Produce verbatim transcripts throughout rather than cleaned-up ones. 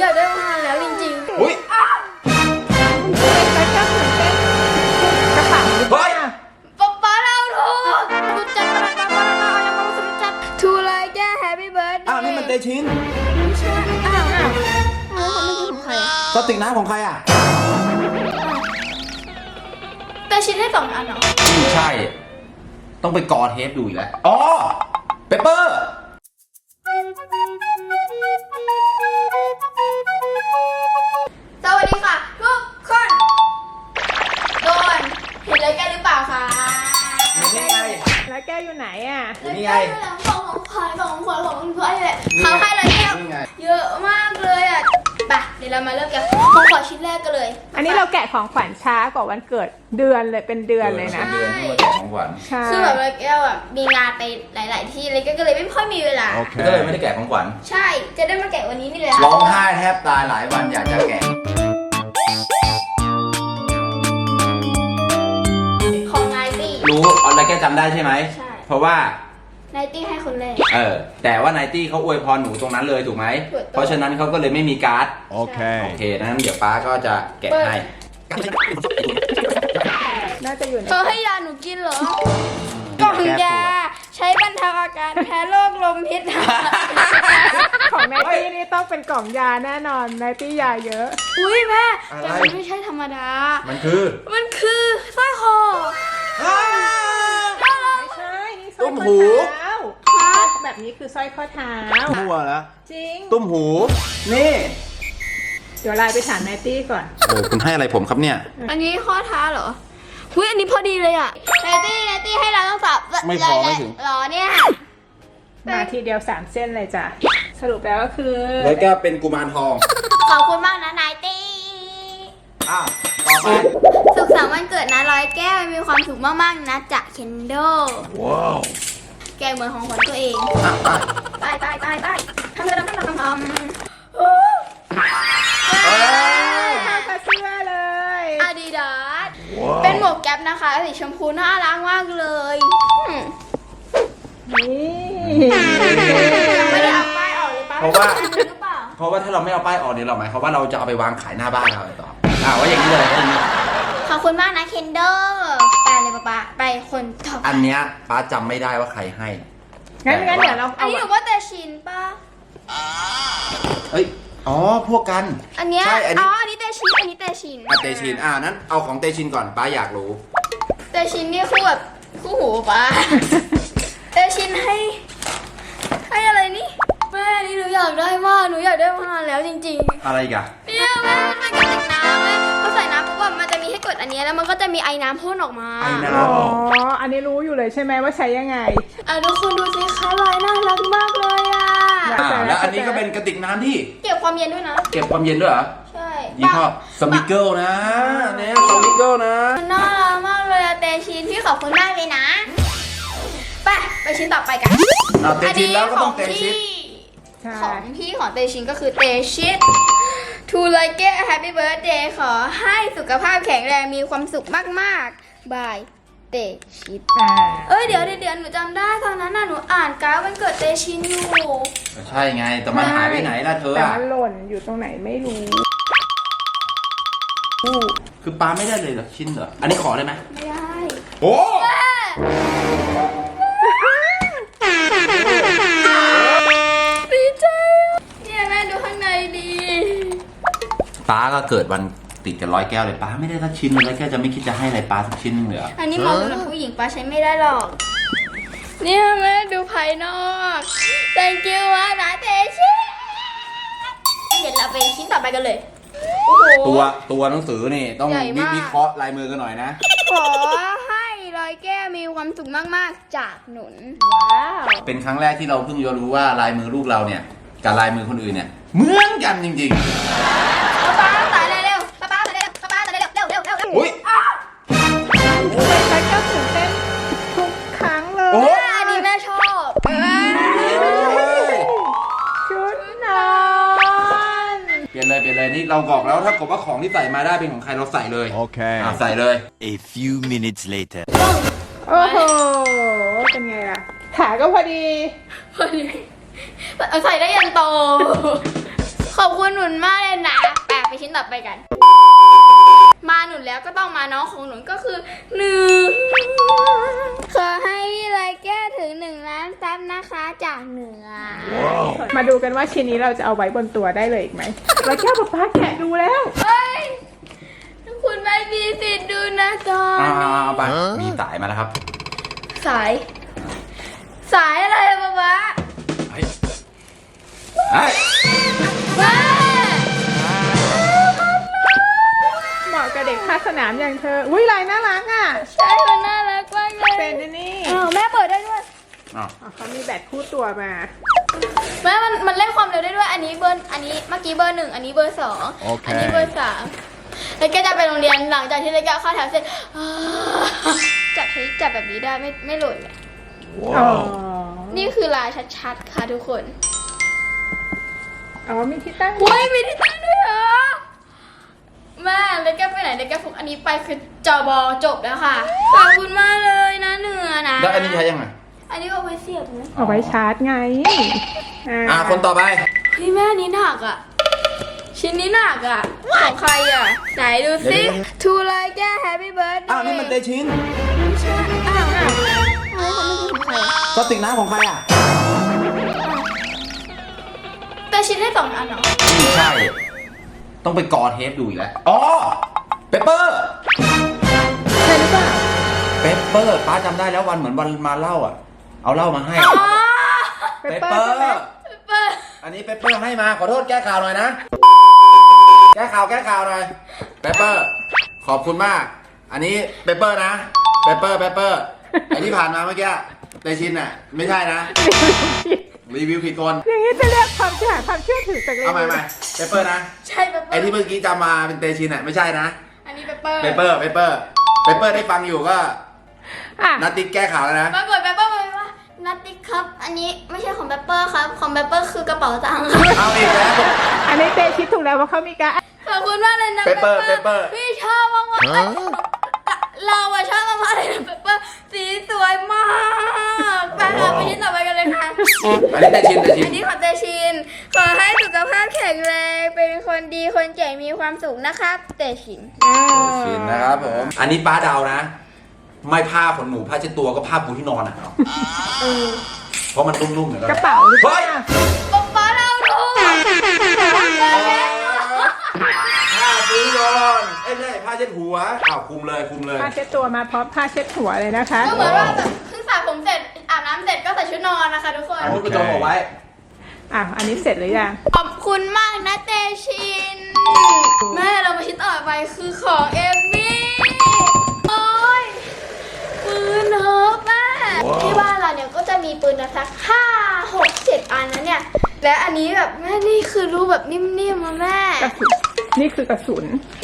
ากได้มานานแล้วจริงๆอุ้ยแล้วก็เหมือนเป็นกระเป๋าเฮ้ยป๊าป๊าเราถูกรู้จักป๊าป๊าป๊าป๊ายังไม่รู้จักทูไลแก้แฮปปี้เบิร์ดอ้าวนี่มันเตชินไม่ใช่อ้าวอ้าวอ้าวเขาไม่ใช่ของใครอะกระติกน้ำของใครอ่ะแต่ชิ้นได้สองอันเหรอไม่ใช่ ต้องไปกอเทปดูอีกแล้วอ๋อเปเปอร์สวัสดีค่ะทุกคนโดนเห็นเลยแกหรือเปล่าคะนี่ไงแล้วแก้วอยู่ไหนอ่ะนี่ไงของของขวัญของขวัญของขวัญแหละเขาให้เลยแก้วนี่ไงเยอะมากเลยอ่ะไปเดี๋ยวเรามาเริ่มกันของขวัญชิ้นแรกกันเลยอันนี้เราแกะของขวัญช้ากว่าวันเกิดเดือนเลยเป็นเดือนเลยนะเดือนที่มาแจกของขวัญใช่คือแบบเลยแก้วอ่ะมีงานไปหลาย ๆ ที่เลยก็เลยไม่ค่อยมีเวลาก็เลยไม่ได้แกะของขวัญใช่จะได้มาแกะวันนี้นี่เลยร้องไห้แทบตายหลายวันอยากจะแกะของนายตี้รู้อะไรแกจำได้ใช่ไหมใช่เพราะว่านายตี้ให้คนแรกเออ แต่ว่าไนตี้เขาอวยพรหนูตรงนั้นเลยถูกไหมถูกต้องเพราะฉะนั้นเขาก็เลยไม่มีการ์ด โอ Okay. เคนั้นเดี๋ยวป้าก็จะแกะให้น่าจะอยู่ในเธอให้ยาหนูกินเหรอ กล่องยาใช้บรรเทาอาการแพ้โรคลมพิษของไนตี้นี่ต้องเป็นกล่องยาแน่นอนไนตี้ยาเยอะอุ้ยแม่อะไรแต่มันไม่ใช่ธรรมดามันคือมันคือสร้อยคอไม่ใช่นี่สร้อยตุ้มข้อหูเท้าแบบนี้คือสร้อยข้อเท้ามั่วแล้วจริงตุ้มหู นี่เดี๋ยวไลน์ไปถามไนตี้ก่อนเออคุณให้อะไรผมครับเนี่ยอันนี้ข้อเท้าเหรอหุ้ยอันนี้พอดีเลยอ่ะเนตี้เนตี้ให้เราต้องสับไม่พอไม่ถึงหรอเนี่ยมาทีเดียวสามเส้นเลยจ้ะสรุปแล้วก็คือแล้วก็เป็นกุมารทองขอบคุณมากนะนายตี้อ้าว ต่อไปสุขสันต์วันเกิดนะร้อยแก้วมีความสุขมากๆนะจากเคนโดว้าวแกเหมือนของขวัญตัวเองอ่ะอ่ะไปไปไปไปทำทำทำทำทำเอ้ยเข้ากับเสื้อเลยอาดิดาสเป็นหมวกแก๊ปนะคะสีชมพูน่ารักมากเลยอืมนี่ยังไม่ได้เอาป้ายออกเลยป้าเพราะว่าหรือเปล่าเพราะว่าถ้าเราไม่เอาป้ายออกเนี่ยเราหมายความว่าเราจะเอาไปวางขายหน้าบ้านเราต่ออ่าว่าอย่างนี้เลยอย่างนี้ขอบคุณมากนะเคนโดไปเลยป้าป้าไปคนต่อไปอันเนี้ยป้าจำไม่ได้ว่าใครให้งั้นงั้นเดี๋ยวเราอันเอานี้หนูว่าแต่ชินป้าเอ้ย อ๋อ พวกกันอันเนี้ยใช่ อันอ๋นี้ออันนี้แต่ชินอันนี้แต่ชินอ่ะเตชิน อ่านั้นเอาของเตชินก่อนป้าอยากรู้แต่ชินนี่คู่แบบคู่หูป้าแต่ชินให้ให้อะไรนี่แม่นี่หนูอยากได้มากหนูอยากได้มานานแล้วจริงๆอะไรอีกอะเนี่ยแม่มันกระติกน้ำแม่พอใส่น้ำปุ๊บอะมันจะมีให้กดอันเนี้ยแล้วมันก็จะมีไอ้น้ำพ่นออกมาไอ้น้อ๋อ อันนี้รู้อยู่เลยใช่ไหมว่าใช้ยังไงอ่ะทุกคนดูสิคะลายน่ารักมากเลยอ่ะอ่าแล้วอันนี้ก็เป็นกระติกน้ำที่เก็บความเย็นด้วยนะเก็บความเย็นด้วยเหรอใช่ยี่ห้อสมิเกิลนะเนี่ยสมิเกิลนะมันน่ารักมากเลยอะเตชินพี่ขอบคุณมากเลยนะไปไปชิ้นต่อไปกันอ่าเตชินแล้วก็ต้องเตชินใช่ของพี่ของเตชินก็คือเตชินทูไลเกะแฮปปี้เบิร์ดเดย์ขอให้สุขภาพแข็งแรงมีความสุขมากๆบายเตชินอ่าเอ้ยเดี๋ยวเดี๋ยวหนูจำได้ตอนนั้นน่ะหนูอ่านการ์ดวันเกิดเตชินอยู่ใช่ไง แต่มันหายไปไหนล่ะเธอแต่อ่ะมันหล่นอยู่ตรงไหนไม่รู้คือปลาไม่ได้เลยเหรอชิ้นเหรอ อันนี้ขอได้ไหมไม่ได้โอ้ดีใจเนี่ยแม่ดูข้างในดีป้าก็เกิดวันติดกับร้อยแก้วเลยป้าไม่ได้สักชิ้นเลยร้อยแก้วจะไม่คิดจะให้อะไรป้าสักชิ้นนึงเลยเหรออันนี้เหมาะสำหรับผู้หญิงป้าใช้ไม่ได้หรอกเนี่ยแม่ดูภายนอก thank you มากนะเตชิเดี๋ยวเราไปชิ้นต่อไปกันเลยโอ้โหตัวตัวหนังสือนี่ต้องใหญ่มากวิเคราะห์ลายมือกันหน่อยนะขอให้ร้อยแก้วมีความสุขมากๆจากหนุนว้าวเป็นครั้งแรกที่เราเพิ่งจะรู้ว่าลายมือลูกเราเนี่ยกับลายมือคนอื่นเนี่ยเหมือนกันจริงป้าป้าใส่เร็วๆป้าป้าใส่เร็วป้าป้าใส่เร็วเร็วเร็วเร็วเร็วๆอุ้ยใช้ก็ตื่นเต้นทุกครั้งเลยโอ้อันนี้แม่ชอบชุดนอนเปลี่ยนเลยเปลี่ยนเลยนี่เราบอกแล้วถ้าเกิดว่าของที่ใส่มาได้เป็นของใครเราใส่เลย Okay. อ่ะใส่เลย A few minutes later. โอ้โห เป็นไงล่ะ ขาก็พอดีพอดีใส่ได้ยันโต ขขอบคุณหนุนมากเลยนะแปะไปชิ้นต่อไปกัน มาหนุนแล้วก็ต้องมาน้องของหนุนก็คือหนึ่งขอให้พี่ไรแก้ถึงหนึ่งล้านซับนะคะจากเหนือมาดูกันว่าชิ้นนี้เราจะเอาไว้บนตัวได้เลยอีกไหมเราแค่ป๊าป๊าแกะดูแล้วเฮ้ยคุณไม่มีสิทธิ์ดูนะตอนอ่านี้เอาไปมีสายมาแล้วครับสาย สายอะไรอะป๊าป๊าเฮ้ยเฮ้ยแม่เหมาะกับเด็กภาคสนามอย่างเธอ อุ้ยลายน่ารักอ่ะใช่มันน่ารักมากเลยเป็นอันนี่อ้าวแม่เปิดได้ด้วยอ้าวอ๋อเขามีแบตคู่ตัวมาแม่มันมันเล่นความเร็วได้ด้วย อันนี้เบอร์อันนี้เมื่อกี้เบอร์หนึ่งอันนี้เบอร์สองโอเคอันี้เบอร์สามแล้วแกจะไปโรงเรียนหลังจากที่เลกเข้าแถวเสร็จอ่าจับใช้จับแบบนี้ได้ไม่ไม่หล่นเลยอ๋อนี่คือลายชัดๆค่ะทุกคนอ๋อมีที่ตั้งโอ้ยมีที่ตั้งด้วยเหรอแม่เลกไปไหนเลกฟุกอันนี้ไปคือจอบอจบแล้วค่ะขอบคุณมากเลยนะเหนือนะแล้วอันนี้ใช้ยังไงอันนี้เอาไว้เสียบนะเอาไว้ชาร์จไงอ่าคนต่อไปเฮ้ยแม่อันนี้หนักอ่ะ ชิ้นนี้หนักอ่ะ ของใครอ่ะ ไหนดูสิทูไลแก้แฮปปี้เบิร์ดอ้าวนี่มันเตชินใช่อ้าวอ้าวอ้าวเขาไม่ใช่ของใครกระติกน้ำของใครอ่ะแต่ชิ้นได้สองอันเหรอไม่ใช่ ต้องไปกอเทปดูอีกแล้ว อ๋อ เปเปอร์ใช่หรือเปล่าเปเปอร์ป้าจำได้แล้ววันเหมือนวันมาเล่าอ่ะ เอาเหล่ามาให้อ๋อเปเปอร์ใช่ไหมเปิดอันนี้เปเปอร์ให้มา ขอโทษแก้ข่าวหน่อยนะ แก้ข่าวแก้ข่าวหน่อย เปเปอร์ ขอบคุณมาก อันนี้เปเปอร์นะ เปเปอร์ เปเปอร์ ไอที่ผ่านมาเมื่อกี้เตชินอ่ะ ไม่ใช่นะ รีวิวผิดคนอย่างนี้จะเรียกความเชื่อความเชื่อถือจากเลยเอาใหม่ใหม่เปเปอร์นะใช่เปเปอไอร์ที่เมื่อกี้จำมาเป็นเตชินอ่ะไม่ใช่นะอันนี้เปเปอร์เปเปอร์ เปเปอร์ เปเปอร์ได้ฟังอยู่ก็อ่ะนัดติ๊กแก้ข่าวแล้วนะปรากฏเปเปอร์บอกว่านัตติครับ อันนี้ไม่ใช่ของเปเปอร์ครับ ของเปเปอร์คือกระเป๋าตังค์ครับเอาอีกแล้วอันนี้เตชิดถูกแล้วว่าเขามีการขอบคุณมากเลยนะเปเปอร์เปเปอร์พี่ชอบมากๆเลยเราอะชอบมากๆเลยนะเปเปอร์สีสวยมากไปค่ะไปชิ้นต่อไปกันเลยค่ะอันนี้เตชินเตชินอันนี้ของเตชิน ขอให้สุขภาพแข็งแรง เป็นคนดีคนเจ๋งมีความสุขนะครับ เตชินอ่าชินนะครับผม อันนี้ป้าเดานะ ไม่ผ้าขนหนูผ้าเช็ดตัวก็ผ้าปูที่นอนอ่ะเอาเพราะมันนุ่มๆเหมือนกักระเป๋าหรือเปล่าเฮ้ยป๊าป๊าเราดูผ้าปูที่นอนเอ้ยไม่ใช่ผ้าเช็ดหัวอ้าวคุมเลยคุมเลยผ้าเช็ดตัวมาพร้อมผ้าเช็ดหัวเลยนะคะก็เหมือนว่าแบบเพิ่งสระผมเสร็จอาบน้ำเสร็จก็ใส่ชุดนอนนะคะทุกคนอันนี้กระจกเอาไว้อ่ะอันนี้เสร็จหรือยังขอบคุณมากนะเตชิน แม่เรามาชิ้นต่อไปคือของเอมมี่โอ้ยปืนเฮิร์บแม่ที่บ้านเราเนี่ยก็จะมีปืนนะสักห้าหกเจ็ดอันนะเนี่ย และอันนี้แบบแม่นี่คือรูปแบบนิ่มๆมาแม่กระสุนนี่คือกระสุน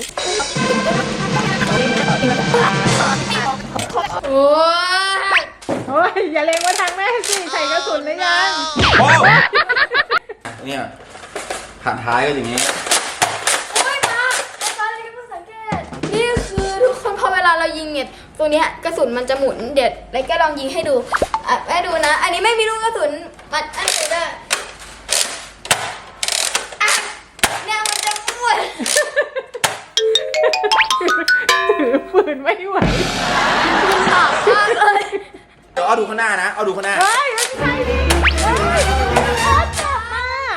โอ้ยโอ้ยอย่าเลงมาทางแม่สิใส่กระสุนหรือยังโอ้เนี่ยผ่านท้ายก็อย่างนี้โอ้ยมาตอนนี้เพิ่งสังเกตนี่คือทุกคนพอเวลาเรายิงเนี่ยตัวเนี้ยกระสุนมันจะหมุนเด็ดแล้วก็ลองยิงให้ดูอ่ะแม่ดูนะ อันนี้ไม่มีลูกกระสุนมันอันนี้เด้ออ่ะเนี่ยมันจะหมุนถือปืนไม่ไหวมันหนักมากเลยเดี๋ยวเอาดูข้างหน้านะ เอาดูข้างหน้าเฮ้ยไม่ใช่ดิเฮ้ยโคตรจับมา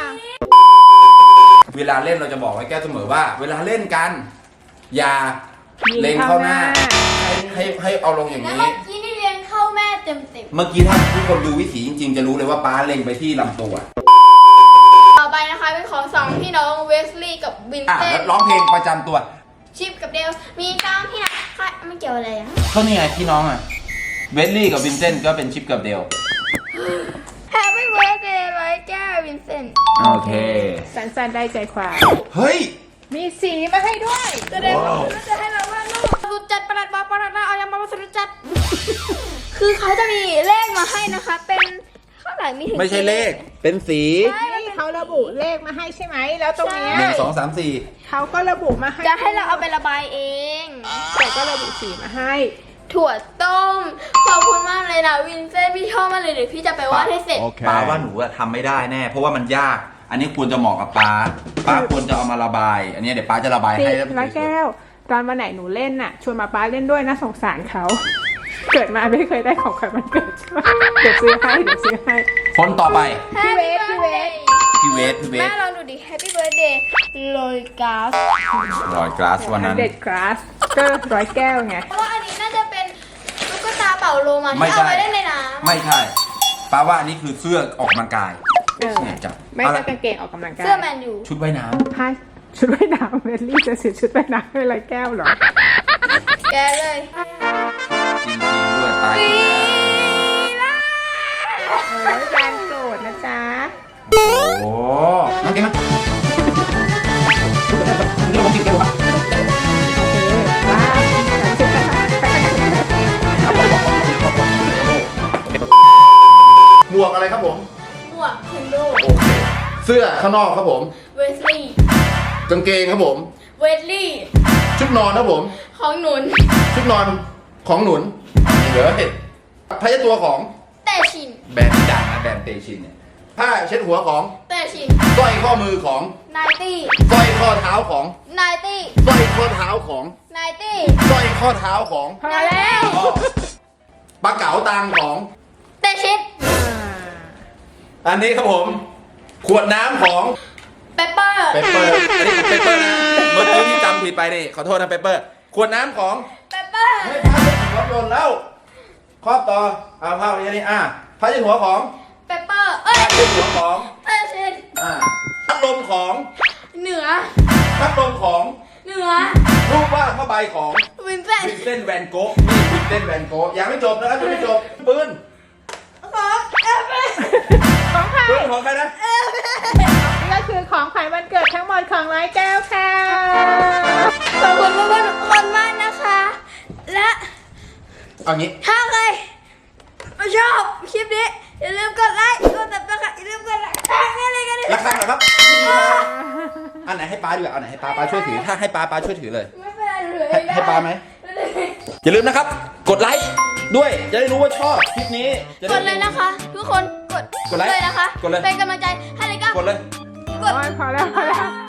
เวลาเล่นเราจะบอกไว้แก้วเสมอว่า เวลาเล่นกัน อย่าเล็งเข้าหน้า ให้ให้ให้เอาลงอย่างแล้วนี้เมื่อกี้นี่เรียนเข้าแม่เต็มเต็มเมื่อกี้ถ้าทุกคนดูวิถีจริงๆ จะรู้เลยว่าป้าเล็งไปที่ลำตัวต่อไปนะคะเป็นของสองพี่น้องเวสลีย์กับวินอ่ะเซนแล้วร้องเพลงประจำตัวชิปกับเดลมีสองพี่น้องค่ะไม่เกี่ยวอะไรอ่ะเขานี่ไงพี่น้องอ่ะ เวสลี่กับวินเซนต์ก็เป็นชิปกับเดล Happy birthday ร้อยแก้ววินเซนต์โอเคสั้นๆได้ใจความเฮ้ยมีสีมาให้ด้วยแสดงว่าเขาจะให้เราว่าลูกสุดจัดประหลัดบอกประหลัดนะเอายังมาสุดจัด คือเขาจะมีเลขมาให้นะคะ เป็นเท่าไหร่มีถึงไม่ใช่เลข เป็นสีนี่เขาระบุเลขมาให้ใช่ไหม แล้วตรงเนี้ยหนึ่งสองสามสี่เขาก็ระบุมาให้จะให้เราเอาไประบายเองแต่ก็ระบุสีมาให้ถั่วต้ม ขอบคุณมากเลยนะวินเซนต์พี่ชอบมากเลยเดี๋ยวพี่จะไปวาดให้เสร็จ Okay. ป้าว่าหนูอะทำไม่ได้แน่ เพราะว่ามันยากอันนี้ควรจะเหมาะกับป้าป้าควรจะเอามาระบาย อันนี้เดี๋ยวป้าจะระบายสิให้แล้วร้อยแก้ว ตอนวันไหนหนูเล่นน่ะ ชวนมาป้าเล่นด้วยนะสงสารเขา เกิดมาไม่เคยได้ของขวัญวันเกิดใช่ไหมเดี๋ยวซื้อให้เดี๋ยวซื้อให้คนต่อไป Happy พี่เวฟ birthday พี่เวทพี่เวแม่ทลองดูดิ Happy birthday โรยกาสรอยกลาสวันนั้นเด็ดกราสก็ร้อยแก้วไงเพราะว่าอันนี้น่าจะเป็นตุ๊กตาเป่าโลมาไม่ที่ใช่เอาไว้เล่นในน้ำไม่ใช่ป้าว่าอันนี้คือเสื้อออกกำลังกายเออเนี่ยจับไม่เอาใช่ละกางเกงออกกำลังกายเสื้อแมนยูชุดว่ายน้ให้ชุดว่ายน้ำเวลลี่จะซื้อชุดว่ายน้ำให้ร้อยแก้วเหรอแกเลยำจริงๆด้วยตายปีแล้วละเออแฟนโกรธนะจ๊ะโอ้โหน้องเก่งมั้ยนี่เรากินกันหรอโอเคว้าวหมวกอะไรครับผมหมวกเทนโดเสื้อข้างนอกครับผมเวสลี่กางเกงครับผมเวสลี่ชุดนอนครับผมของหนุนชุดนอนของหนุนเดี๋ยวเห็ดผ้าเช็ดตัวของแต่ชินแบรนด์ดังนะแบรนด์เตชินเนี่ยผ้าเช็ดหัวของแต่ชินสร้อยข้อมือของไนตี้สร้อยข้อเท้าของไนตี้สร้อยข้อเท้าของไนตี้สร้อยข้อเท้าของพอแล้วปลาเก๋าตังของแต่ชินอันนี้ครับผม ขวดน้ำของเปปเปอร์เปเปอร์อันนี้เปเปอร์นะเมื่อกี้ที่จำผิดไปนี่ขอโทษนะเปเปอร์ขวดน้ำของเปปเปอร์เฮ้ยผ้าเช็ดหัวโดนแล้วครอบต่อเอาผ้าไปนี่อ่ะผ้าเช็ดหัวของเปปเปอร์เอ้ยผ้าเช็ดหัวของแต่ชินอ่าพัดลมของเหนือพัดลมของเหนือรูปวาดผ้าใบของวินเซนวินเซนต์แวนโก๊ะนี่วินเซนต์แวนโก๊ะยังไม่จบนะครับยังไม่จบปืนของเอฟเอของใครปืนของใครนะนี่ก็คือของขวัญวันเกิดทั้งหมดของร้อยแก้วค่ะขอบคุณเพื่อนๆทุกคนมากนะคะ และเอางี้ถ้าใครชอบคลิปนี้ อย่าลืมกดไลค์ กดติดตามอย่าลืมกดไลค์แค่นี้เลยกันดิรักข้างหน่อยครับนี่ครับอันไหนให้ป้าดีกว่าอันไหนให้ป้าป้าช่วยถือถ้าให้ป้าป้าช่วยถือเลยไม่เป็นไรเลยให้ให้ป้าไหมอย่าลืมนะครับ กดไลค์ด้วยจะได้รู้ว่าชอบคลิปนี้จะกได้ดเลยนะคะ ทุกคนกดกดไลค์เลยนะคะกดเลยเป็นกำลังใจให้เลยก็กดเลยกดโอ้ยพอแล้วพอแล้ว